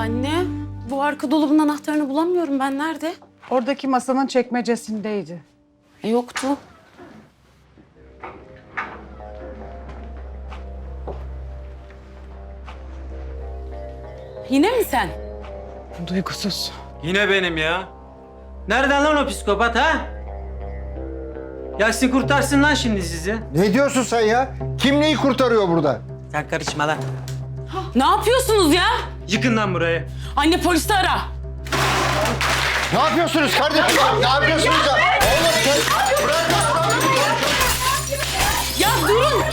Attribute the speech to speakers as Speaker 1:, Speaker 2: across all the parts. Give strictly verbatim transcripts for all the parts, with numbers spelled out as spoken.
Speaker 1: Anne, bu arka dolabın anahtarını bulamıyorum ben. Nerede?
Speaker 2: Oradaki masanın çekmecesindeydi.
Speaker 1: E, yoktu. Yine mi sen?
Speaker 2: Duygusuz.
Speaker 3: Yine benim ya. Nereden lan o psikopat ha? Gelsin kurtarsın lan şimdi sizi.
Speaker 4: Ne diyorsun sen ya? Kim neyi kurtarıyor burada?
Speaker 3: Sen karışma lan.
Speaker 1: Ne yapıyorsunuz ya?
Speaker 3: Yıkın lan burayı.
Speaker 1: Anne polisi ara.
Speaker 4: Ne yapıyorsunuz kardeşim? Ne yapıyorsunuz ya? Oğlum sen...
Speaker 1: Ya durun.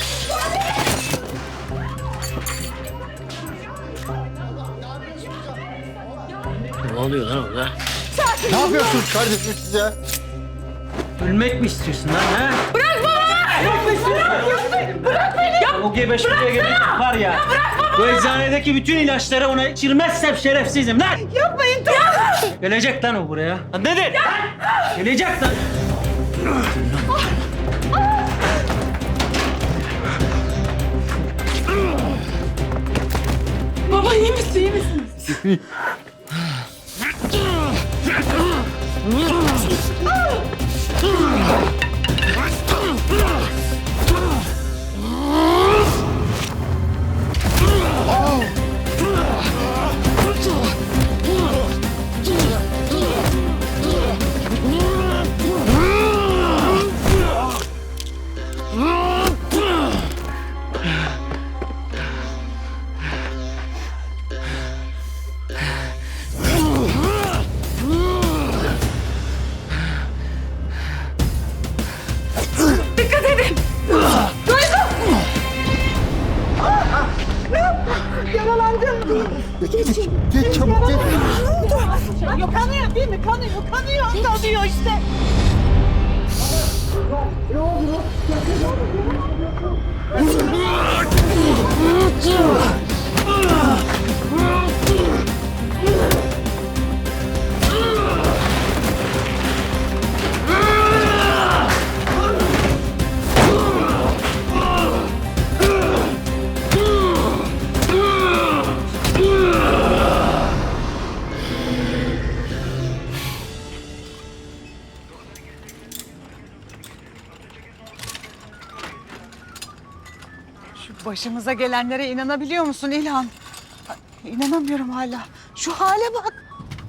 Speaker 5: Ne oluyor lan orada?
Speaker 4: Ne yapıyorsunuz kardeşim siz ya?
Speaker 3: Ölmek mi istiyorsun lan ha? Bırak baba! Ölmek mi istiyorsun? Bırak beni! Ya, o gebeş buraya gelecek var ya. Ya bırak baba! Bu eczanedeki bütün ilaçları ona içirmezsem şerefsizim lan!
Speaker 2: Yapmayın tamam.
Speaker 3: Gelecek lan o buraya. Lan nedir? Gelecek lan!
Speaker 1: Baba iyi misin? İyi misin?
Speaker 4: Geç çabuk geç.
Speaker 2: Yok kanıyor değil mi? Kanıyor, kanıyor. Kanıyor işte. Şu başımıza gelenlere inanabiliyor musun İlhan? İnanamıyorum hala. Şu hale bak.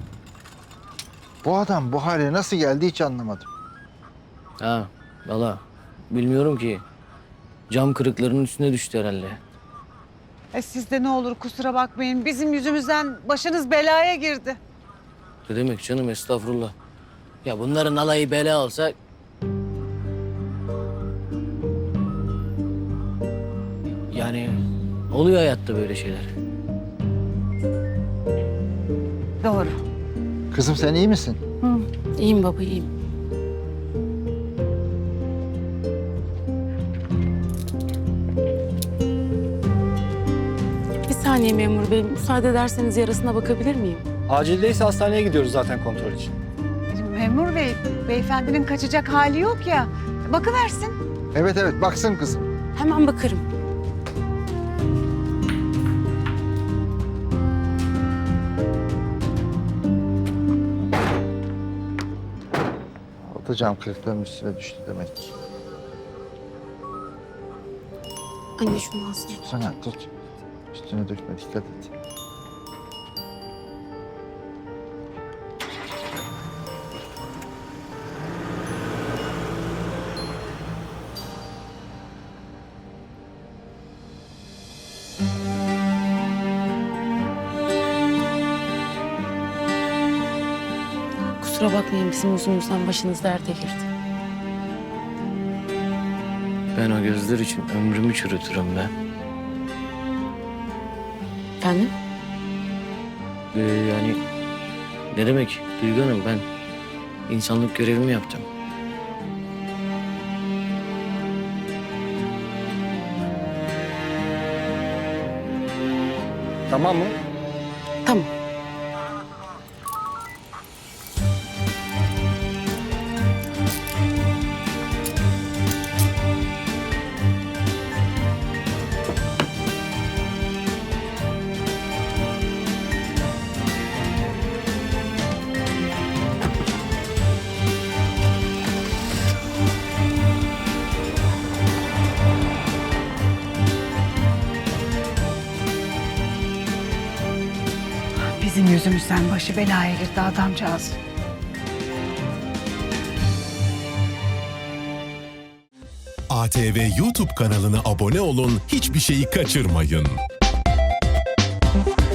Speaker 4: Bu adam bu hale nasıl geldi hiç anlamadım.
Speaker 5: Ha, valla bilmiyorum ki. Cam kırıklarının üstüne düştü herhalde.
Speaker 2: E siz de ne olur kusura bakmayın. Bizim yüzümüzden başınız belaya girdi.
Speaker 5: Ne demek canım, estağfurullah. Ya bunların alayı bela olsa... Yani oluyor hayatta böyle şeyler.
Speaker 2: Doğru.
Speaker 4: Kızım sen iyi misin?
Speaker 1: İyiyim baba, iyiyim. Bir saniye memur bey, müsaade ederseniz yarasına bakabilir miyim?
Speaker 6: Acildeyse hastaneye gidiyoruz zaten kontrol için.
Speaker 2: Memur bey, beyefendinin kaçacak hali yok ya. Bakıversin.
Speaker 4: Evet evet baksın kızım.
Speaker 1: Hemen bakarım.
Speaker 4: Atacağım kırıkların üstüne düştü demek ki.
Speaker 1: Anne şunu alsana.
Speaker 4: Sana tut. Üstüne dökme dikkat et.
Speaker 1: Kusura bakmayın, bizim yüzümüzden başınız derde girdi.
Speaker 5: Ben o gözler için ömrümü çürütürüm ben.
Speaker 1: Efendim?
Speaker 5: Ee, yani ne demek Duygu Hanım, ben insanlık görevimi yaptım.
Speaker 6: Tamam mı?
Speaker 1: Tamam.
Speaker 2: Bizim yüzümüzden başı belaya girdi adamcağız.
Speaker 7: A T V YouTube kanalına abone olun, hiçbir şeyi kaçırmayın.